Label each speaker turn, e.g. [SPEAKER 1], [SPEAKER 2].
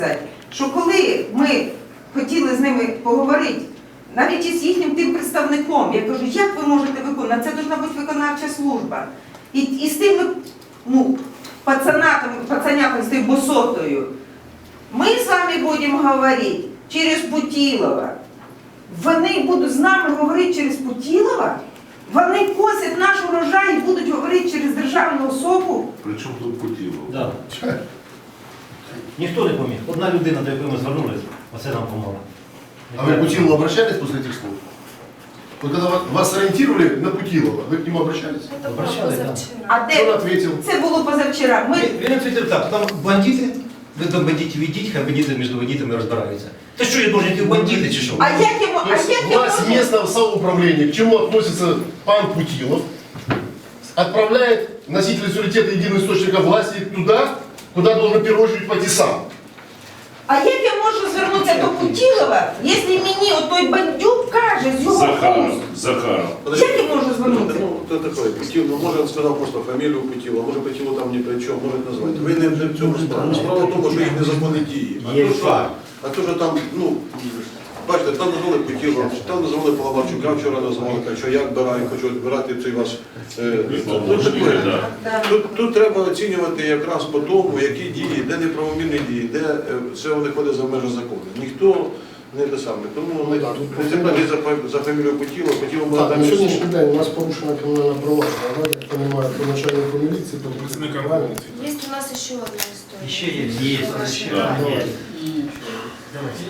[SPEAKER 1] що коли ми хотіли з ними поговорити, навіть із їхнім тим представником, я кажу, як ви можете виконувати, це повинна бути виконавча служба. І з тими пацанятами, з тим босотою, ми з вами будемо говорити через Путілова. Вони будуть з нами говорити через Путілова? Вони косять наш урожай і будуть говорити через державну особу?
[SPEAKER 2] Причому тут Путілов?
[SPEAKER 3] Да. Ніхто не поміг. Одна людина, до якої ми звернулися, оце нам помогла.
[SPEAKER 4] А вы к Путилову обращались после этих слов? Вот когда вас ориентировали на Путилова, вы к нему обращались?
[SPEAKER 3] Обращались, так.
[SPEAKER 1] А
[SPEAKER 4] Что он
[SPEAKER 1] де?
[SPEAKER 4] ответил?
[SPEAKER 1] Це було позавчора.
[SPEAKER 3] Він відповів так, там бандити, ви до бандитів ідіть, хай бандити між бандитами розбираються. Та що, я должен йти в бандити чи що?
[SPEAKER 1] А як йому?
[SPEAKER 4] То есть власть местного самоуправления, к чему относится пан Путилов, отправляет носителя суверенитета единого источника власти туда, куда должен в первую очередь пойти сам.
[SPEAKER 1] А як я можу звернутися до Путілова, якщо мені отой бандюк каже з його
[SPEAKER 2] Захаров.
[SPEAKER 1] уст?
[SPEAKER 2] Захаров.
[SPEAKER 1] Як я можу звернутися?
[SPEAKER 5] Ну, кто такой? Путилов, ну, может, он сказал просто фамилию Путилова, может, Путилов там ни при чем, может назвать. Ви не в цьому справа. Справа в тому, що їх незаконні дії. А то, що там, ну, бачите, там назвали Путилова, там назвали Паламарчука, вчора назвали, що я відбираю, хочу відбирати цей ваш... Тут треба оцінювати якраз по тому, які дії, де неправомірні дії, де все виходить за межі закону. Ніхто не те саме. Тому ми цепляли за фамілію Путілова, Путілова
[SPEAKER 6] Так,
[SPEAKER 5] там
[SPEAKER 6] на сьогоднішній день у нас порушена кримінальна провадження, але, я так розумію, по начальнику міліції, по працівникам.
[SPEAKER 7] Есть у нас еще одна история.
[SPEAKER 3] Ще є.
[SPEAKER 2] Да.